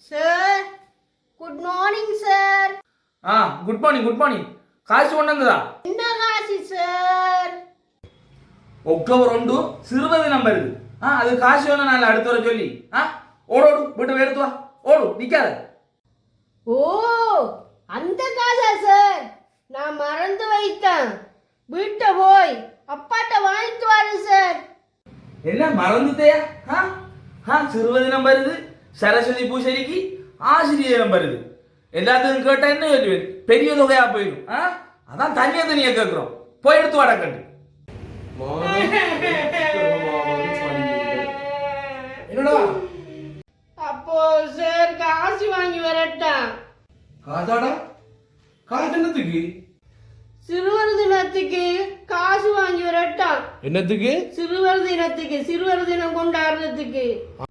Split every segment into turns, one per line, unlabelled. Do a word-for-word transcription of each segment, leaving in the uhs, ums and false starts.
Sir good morning sir.
ஆ good morning good morning. காசு கொண்டா
என்ன காசு சார்?
அக்டோபர் ஒன்று சிறுபதி நம்பர் இது. ஆ அது காசு வேணும் நான் அடுத்த வர சொல்லி. ஆ ஓடோடு வீட்டு எடுத்து வா. ஓடு நிக்காத.
ஓ அந்த காசா சார்? நான் மறந்து வைத்தேன். வீட்டை போய் அப்பாட்ட வாங்கிட்டு வரேன் சார்.
என்ன மறந்துட்டேயா? ஆ ஆ சிறுபதி நம்பர் இது. சரஸ்வதி பூசரிக்கு ஆசிரியர் நம்பர் இது. எல்லாத்துக்கும் கேட்டா என்ன சொல்லுவேன்? பெரிய தொகையா போயிடும். ஆ அதான் தனியா தனியா கேட்குறோம். போய் எடுத்து வாடா கண்டு. என்னடா
அப்போ சார் காசு வாங்கி வரட்டா?
காசாடா? காசு என்னத்துக்கு?
சிறுவர் தினத்துக்கு காசு வாங்கி வரட்டா?
என்னத்துக்கு?
சிறுவர் தினத்துக்கு, சிறுவர் தினம் கொண்டாடுறதுக்கு.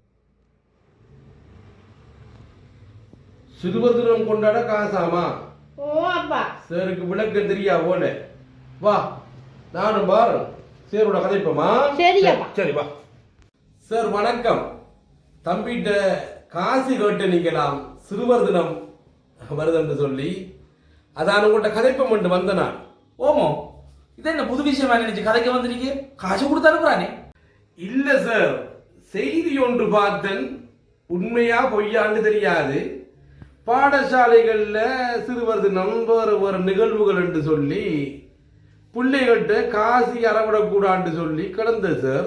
சிறுவர் தினம் கொண்டாட காசாமா?
ஓ அப்பா.
சாருக்கு விளக்கம் தெரியா போல. வா நானும் பாரு சேரோட கதைப்போமா?
சரி அப்பா.
சரி வா. சார் வணக்கம். தம்பிகிட்ட காசு கேட்டு நீங்களாம் சிறுவர் தினம் வருதுன்னு சொல்லி அதான் உங்கள்கிட்ட கதைப்பம் கொண்டு வந்த நான்.
ஓமோ இது என்ன புது விஷயமா நினைச்சு கதைக்க வந்துருக்கீங்க? காசு கொடுத்து அனுப்புறானே.
இல்ல சார், செய்தி ஒன்று பார்த்தேன். உண்மையா பொய்யான்னு தெரியாது. பாடசாலைகள்ல சிறுவர் தினம் வேறு வேறு நிகழ்வுகள் என்று சொல்லி பிள்ளைகள்கிட்ட காசு அறவிடக்கூடான்னு சொல்லி கிடந்தது சார்.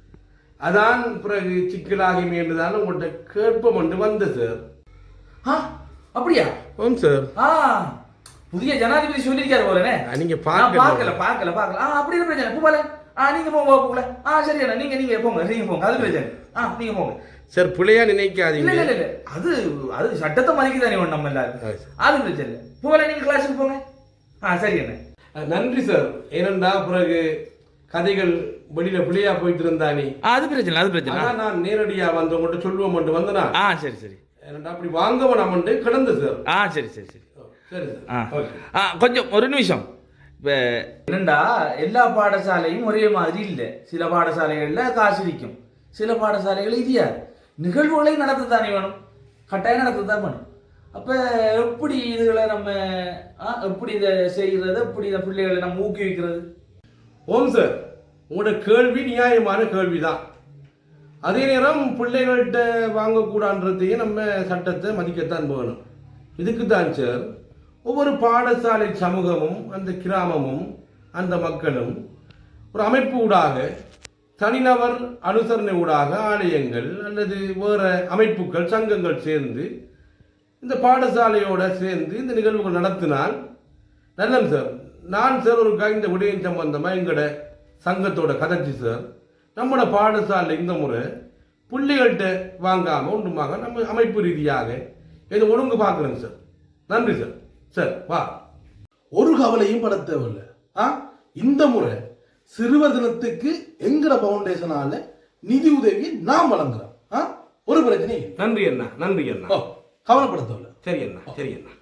அதான் பிறகு சிக்கலாகி தான் உங்கள்கிட்ட கேட்போம் என்று வந்த சார்.
ஆ அப்படியா?
ஆம் சார்.
ஆ புதிய ஜனாதிபதி சொல்லியிருக்காரு போலனே.
நீங்க
பார்க்கல பார்க்கல பார்க்கல. ஆ அப்படி என்ன பிரச்சனை? போல ஆ நீங்க போங்க போகல. ஆ சரியா நீங்க நீங்க போங்க நீங்க போங்க. அது பிரச்சனை. ஆ நீங்க போங்க
சார். பிள்ளையா நினைக்காதீங்க.
இல்ல இல்ல இல்ல அது அது சட்டத்தை மதிக்குதானே நம்ம எல்லாரும். அது பிரச்சனை இல்லை. போல நீங்க கிளாஸுக்கு போங்க. ஆ சரி என்ன.
நன்றி சார். ஏனண்டா பிறகு கதைகள் வெளியில பிள்ளையா போயிட்டு இருந்தானே.
அது பிரச்சனை அது பிரச்சனை.
நான் நேரடியா வந்து உங்கள்கிட்ட சொல்லுவோம் மட்டும் வந்தனா.
ஆ சரி சரி.
ஏனண்டா அப்படி வாங்கவன் அமண்டு கிடந்து சார்.
ஆ சரி சரி சரி
சரி
சார். ஆ கொஞ்சம் ஒரு நிமிஷம். இப்போ என்னண்டா எல்லா பாடசாலையும் ஒரே மாதிரி இல்லை. சில பாடசாலைகளில் காசு விற்கும், சில பாடசாலைகள் இதியாது. நிகழ்வுகளை நடத்தத்தானே வேணும், கட்டாயம் நடத்தத்தான் வேணும். அப்போ எப்படி இதுகளை நம்ம எப்படி இதை செய்கிறது, எப்படி இந்த பிள்ளைகளை நம்ம ஊக்குவிக்கிறது?
ஓம் சார், உங்களோட கேள்வி நியாயமான கேள்விதான். அதே நேரம் பிள்ளைகள்கிட்ட வாங்கக்கூடாதுன்றதையும் நம்ம சட்டத்தை மதிக்கத்தான் போகணும். இதுக்கு தான் சார் ஒவ்வொரு பாடசாலை சமூகமும் அந்த கிராமமும் அந்த மக்களும் ஒரு அமைப்பு ஊடாக, தனிநபர் அனுசரணை ஊடாக ஆலயங்கள் அல்லது வேறு அமைப்புகள் சங்கங்கள் சேர்ந்து இந்த பாடசாலையோடு சேர்ந்து இந்த நிகழ்வுகள் நடத்தினால் நல்லது சார். நான் சார் ஒரு இந்த விடயம் சம்பந்தமாக எங்களோட சங்கத்தோட கதைச்சி சார், நம்மளோட பாடசாலை இந்த முறை பிள்ளைகள்கிட்ட வாங்காமல் ஒன்றுமாக நம்ம அமைப்பு ரீதியாக இதை ஒழுங்கு பார்க்குறேங்க சார். நன்றி சார். சார் வா.
ஒரு கவலையும் பட தேவையில்லை. ஆ இந்த முறை சிறுவர் தினத்துக்கு எங்கட பவுண்டேஷனால நிதி உதவியை நாம் வழங்குறோம். ஆ ஒரு பிரச்சனையும்.
நன்றி அண்ணா. நன்றி அண்ணா.
கவலைப்பட தேவையில்லை.
சரி அண்ணா. சரி அண்ணா.